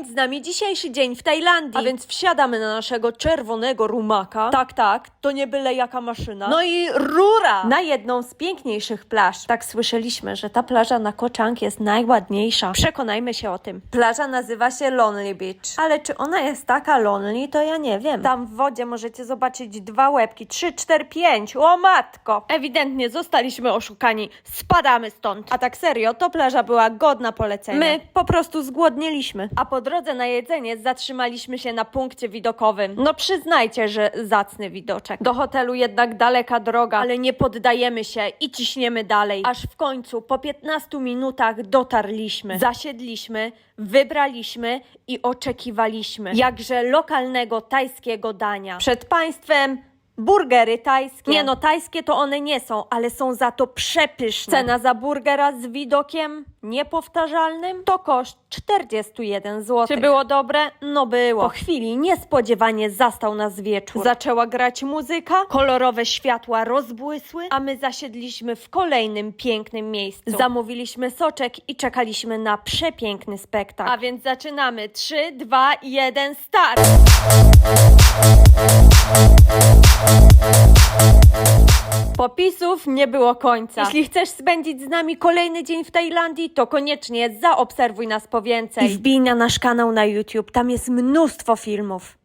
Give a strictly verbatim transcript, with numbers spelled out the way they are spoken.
Spędź z nami dzisiejszy dzień w Tajlandii. A więc wsiadamy na naszego czerwonego rumaka. Tak, tak, to nie byle jaka maszyna. No i rura! Na jedną z piękniejszych plaż. Tak słyszeliśmy, że ta plaża na Koh Chang jest najładniejsza. Przekonajmy się o tym. Plaża nazywa się Lonely Beach. Ale czy ona jest taka lonely, to ja nie wiem. Tam w wodzie możecie zobaczyć dwa łebki. Trzy, cztery, pięć. O matko! Ewidentnie zostaliśmy oszukani. Spadamy stąd. A tak serio, to plaża była godna polecenia. My po prostu zgłodnieliśmy. A po drodze na jedzenie zatrzymaliśmy się na punkcie widokowym. No przyznajcie, że zacny widoczek. Do hotelu jednak daleka droga, ale nie poddajemy się i ciśniemy dalej. Aż w końcu po piętnastu minutach dotarliśmy. Zasiedliśmy, wybraliśmy i oczekiwaliśmy jakże lokalnego tajskiego dania. Przed państwem burgery tajskie. Nie no, tajskie to one nie są, ale są za to przepyszne. Cena za burgera z widokiem niepowtarzalnym to koszt czterdzieści jeden złotych. Czy było dobre? No było. Po chwili niespodziewanie zastał nas wieczór. Zaczęła grać muzyka, kolorowe światła rozbłysły, a my zasiedliśmy w kolejnym pięknym miejscu. Zamówiliśmy soczek i czekaliśmy na przepiękny spektakl. A więc zaczynamy. trzy, dwa, jeden, start! Popisów nie było końca. Jeśli chcesz spędzić z nami kolejny dzień w Tajlandii, to koniecznie zaobserwuj nas po więcej. I wbij na nasz kanał na YouTube, tam jest mnóstwo filmów.